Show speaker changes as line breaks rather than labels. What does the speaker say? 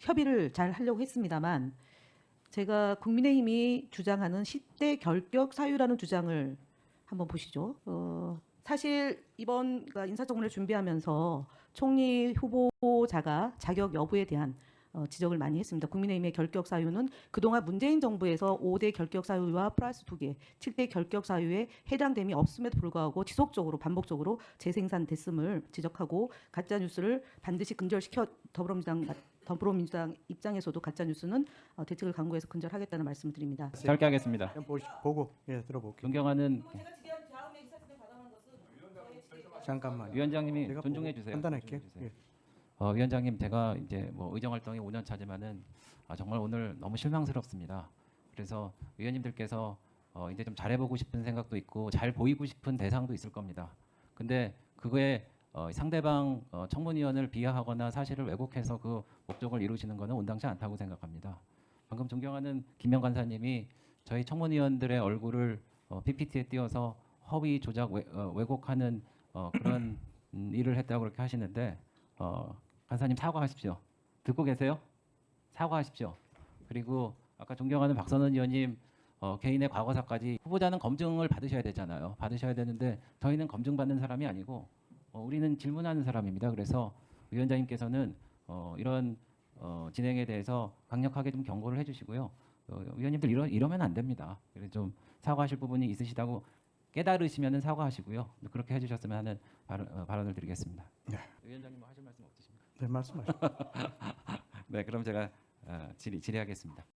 협의를 잘 하려고 했습니다만 제가 국민의힘이 주장하는 10대 결격 사유라는 주장을 한번 보시죠. 사실 이번 그러니까 인사청문회를 준비하면서 총리 후보자가 자격 여부에 대한 지적을 많이 했습니다. 국민의힘의 결격 사유는 그동안 문재인 정부에서 5대 결격 사유와 플러스 2개, 7대 결격 사유에 해당됨이 없음에도 불구하고 지속적으로 반복적으로 재생산됐음을 지적하고 가짜 뉴스를 반드시 근절시켜 더불어민주당 입장에서도 가짜 뉴스는 대책을 강구해서 근절하겠다는 말씀을 드립니다.
짧게 하겠습니다.
보고 들어볼게요.
존경하는
잠깐만.
위원장님이
내가
존중해
보고
주세요.
판단할게요.
존중해 주세요. 위원장님, 제가 이제 뭐 의정 활동이 5년 차지만은 정말 오늘 너무 실망스럽습니다. 그래서 위원님들께서 이제 좀 잘해보고 싶은 생각도 있고 잘 보이고 싶은 대상도 있을 겁니다. 근데 그거에 상대방 청문위원을 비하하거나 사실을 왜곡해서 그 목적을 이루시는 것은 온당치 않다고 생각합니다. 방금 존경하는 김명 간사님이 저희 청문위원들의 얼굴을 PPT에 띄워서 허위 조작 왜곡하는 그런 일을 했다고 그렇게 하시는데 간사님 사과하십시오. 듣고 계세요? 사과하십시오. 그리고 아까 존경하는 박선원 의원님 개인의 과거사까지 후보자는 검증을 받으셔야 되잖아요. 받으셔야 되는데 저희는 검증받는 사람이 아니고 우리는 질문하는 사람입니다. 그래서 위원장님께서는 이런 진행에 대해서 강력하게 좀 경고를 해주시고요. 위원님들 이러면 안 됩니다. 그래서 좀 사과하실 부분이 있으시다고 깨달으시면은 사과하시고요. 그렇게 해주셨으면 하는 발언을 드리겠습니다.
네.
위원장님 뭐 하실 말씀 없으십니까?
네, 말씀하시죠.
네, 그럼 제가 질의하겠습니다.